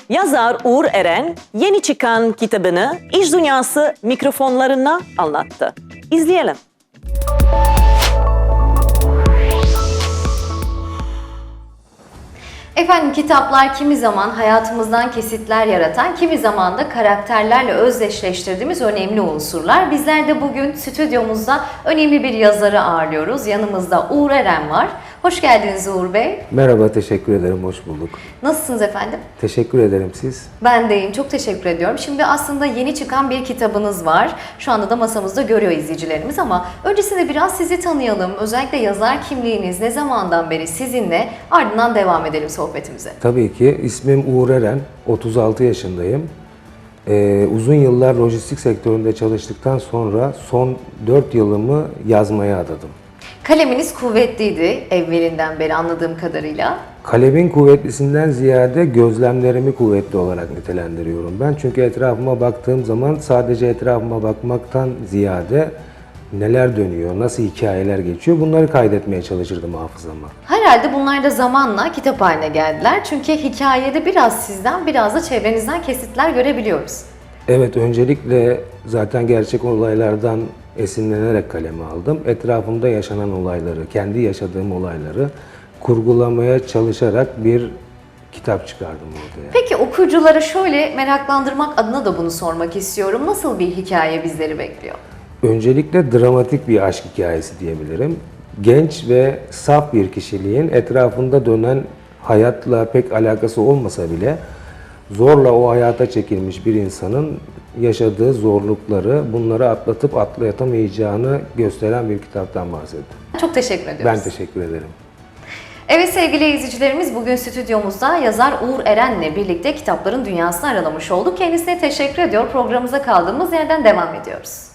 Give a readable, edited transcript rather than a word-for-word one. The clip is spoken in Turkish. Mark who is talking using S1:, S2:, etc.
S1: Yazar Uğur Eren yeni çıkan kitabını iş dünyası mikrofonlarına anlattı. İzleyelim.
S2: Efendim, kitaplar kimi zaman hayatımızdan kesitler yaratan, kimi zaman da karakterlerle özdeşleştirdiğimiz önemli unsurlar. Bizler de bugün stüdyomuzda önemli bir yazarı ağırlıyoruz. Yanımızda Uğur Eren var. Hoş geldiniz Uğur Bey.
S3: Merhaba, teşekkür ederim, hoş bulduk.
S2: Nasılsınız efendim?
S3: Teşekkür ederim, siz?
S2: Ben deyim, çok teşekkür ediyorum. Şimdi aslında yeni çıkan bir kitabınız var. Şu anda da masamızda görüyor izleyicilerimiz ama öncesinde biraz sizi tanıyalım. Özellikle yazar kimliğiniz ne zamandan beri sizinle, ardından devam edelim sohbetimize.
S3: Tabii ki, ismim Uğur Eren, 36 yaşındayım. Uzun yıllar lojistik sektöründe çalıştıktan sonra son 4 yılımı yazmaya adadım.
S2: Kaleminiz kuvvetliydi evvelinden beri anladığım kadarıyla.
S3: Kalemin kuvvetlisinden ziyade gözlemlerimi kuvvetli olarak nitelendiriyorum ben. Çünkü etrafıma baktığım zaman sadece etrafıma bakmaktan ziyade neler dönüyor, nasıl hikayeler geçiyor bunları kaydetmeye çalışırdım hafızama.
S2: Herhalde bunlar da zamanla kitap haline geldiler. Çünkü hikayede biraz sizden, biraz da çevrenizden kesitler görebiliyoruz.
S3: Evet, öncelikle zaten gerçek olaylardan esinlenerek kaleme aldım. Etrafımda yaşanan olayları, kendi yaşadığım olayları kurgulamaya çalışarak bir kitap çıkardım ortaya.
S2: Peki okuyuculara şöyle meraklandırmak adına da bunu sormak istiyorum. Nasıl bir hikaye bizleri bekliyor?
S3: Öncelikle dramatik bir aşk hikayesi diyebilirim. Genç ve saf bir kişiliğin etrafında dönen hayatla pek alakası olmasa bile zorla o hayata çekilmiş bir insanın yaşadığı zorlukları, bunları atlatıp atlatamayacağını gösteren bir kitaptan bahsettim.
S2: Çok teşekkür ediyoruz.
S3: Ben teşekkür ederim.
S2: Evet sevgili izleyicilerimiz, bugün stüdyomuzda yazar Uğur Eren'le birlikte kitapların dünyasını aralamış olduk. Kendisine teşekkür ediyor. Programımıza kaldığımız yerden devam ediyoruz.